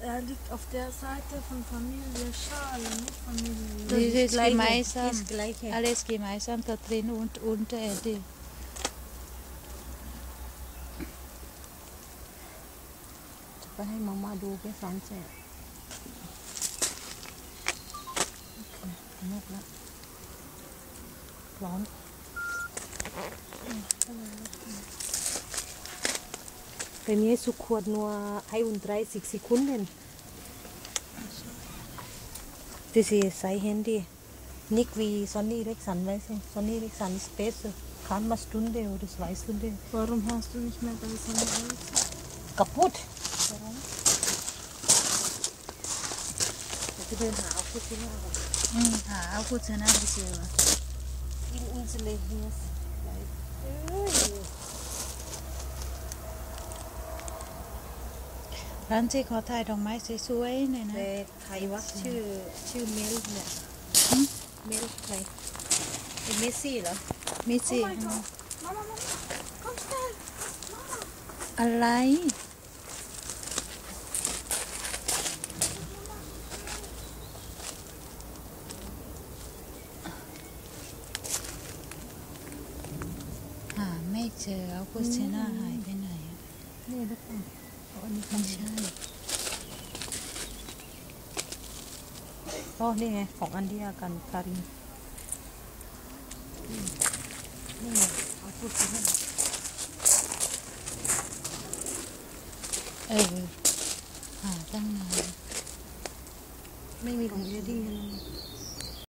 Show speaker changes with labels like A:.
A: er liegt auf der Seite von Familie Schale, nicht Familie.
B: Das ist gemeinsam.
C: Das Gleiche.
B: Alles gemeinsam da drin und unter die.
C: ไปให้มาม่าดูไปสอนเสร็จนกแล้วร้อนBei mir ist sofort nur 31 Sekunden. Das ist sein Handy. Nicht wie Sony Ericsson, weißt du? Sony Ericsson ist besser. Kann mal Stunde oder 2 Stunden.
A: Warum hast du nicht mehr bei Sonne alles?
C: Kaputt. Warum? Ich will nach Hause gehen.
B: เอาพูดชนะไปเชียว
C: In unsere hier.
B: ร้านที่เขาถ่ายดอกไม้สวยๆเนี่ยนะ
C: แต่ใครวะชื่อเมลเนี่ยเมลใครเป็นเมสซี่เหรอ
B: มีสิ
A: Mama, komm schnell.
B: อะไร หาไม่เจอเอาพูดชนะหายไปไหนอะ
C: นี่ทุกคนอันนี้
B: ไม่ใช่
C: อ๋อนี่ไงของอันเดียกันการินนี่ไงเอาพูดสิให้
B: เออ